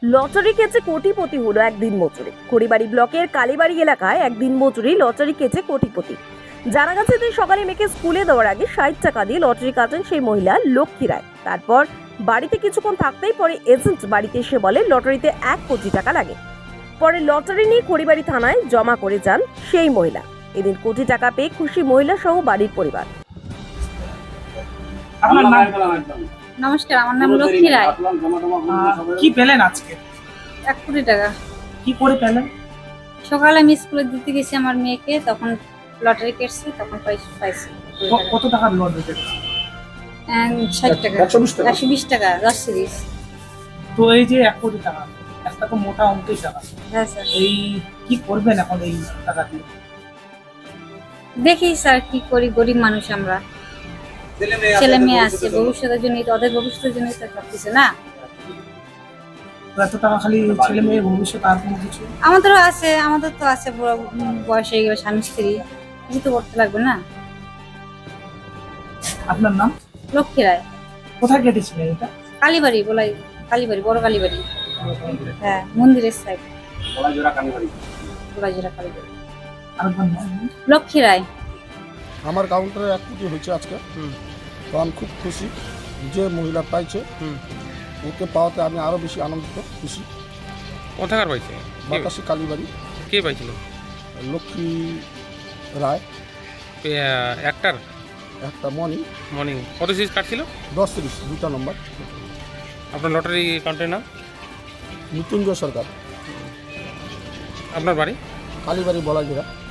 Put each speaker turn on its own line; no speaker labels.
Lottery কেচে কোটিপতি হলো এক দিনমজুরি। খড়িবাড়ি ব্লকের কালীবাড়ি এলাকায় এক দিনমজুরি লটারি কেচে কোটিপতি। জানা গেছে দিন সকালে মেয়েকে স্কুলে দেওয়ার আগে 60 টাকা দিয়ে লটারি কাটেন সেই মহিলা লক্ষ্মী রায়। তারপর বাড়িতে কিছুক্ষণ থাকতেই পরে এজেন্ট বাড়িতে এসে বলে লটারিতে 1 কোটি টাকা লাগে। পরে লটারি নিয়ে খড়িবাড়ি থানায় জমা করে যান সেই মহিলা। এদিন কোটি টাকা পেয়ে খুশি মহিলা সহ বাড়ির পরিবার।
আপনার নাম?
নমস্কার, আমার নাম লক্ষ্মী রায়।
কি পেলেন আজকে?
1 কোটি টাকা।
কি করে পেলেন?
সকালে আমি স্কুলে দিতে গেছি আমার মেয়েকে, তখন লটারি কেটেছি, তখন পাইছি
কত টাকার লটারি কেটেছে?
60 টাকা, 120 টাকা 10 সিরিজ।
তো এই যে 1 কোটি টাকা, একটা তো মোটা অঙ্কের টাকা।
হ্যাঁ স্যার,
এই কি করবেন এখন এই টাকা দিয়ে?
দেখি স্যার কি করি, গরিব মানুষ আমরা, ছেলে মেয়ে আছে, ভবিষ্যতের জন্য, ওদের ভবিষ্যতের জন্য তো সবকিছু না।
তো এত টাকা খালি ছেলে মেয়ের ভবিষ্যৎ, আর কোনো কিছু?
আমাদেরও আছে, আমাদের তো আছে, বুড়ো বয়স হয়ে গেলে স্বামী স্ত্রী, কিছু তো করতে লাগবে না।
আপনার নাম?
লক্ষ্মী রায়।
কোথায় কেটেছিলেন এটা?
কালীবাড়ি, বলাই কালীবাড়ি, বড় কালীবাড়ি। হ্যাঁ, মন্দিরের সাইড, বলাইজোড়া কালীবাড়ি।
আরেকবার নাম?
লক্ষ্মী রায়।
আমার কাউন্টারে 1 কোটি হয়েছে আজকে। তো আমি খুব খুশি যে মহিলা পাইছে, ওকে পাওয়াতে আমি আরও বেশি আনন্দিত, খুশি।
কোথাকার পাইছে?
বাতাসি কালীবাড়ি।
কে পাইছিল?
লক্ষ্মী রায়।
একটার
একটা
মর্নিং কত সিরিজ কাটছিল?
10 সিরিজ, 2টা নম্বর।
আপনার লটারি কাউন্টারের নাম?
মৃত্যুঞ্জয় সরকার,
আপনার বাড়ি?
কালীবাড়ি বলাজিরা।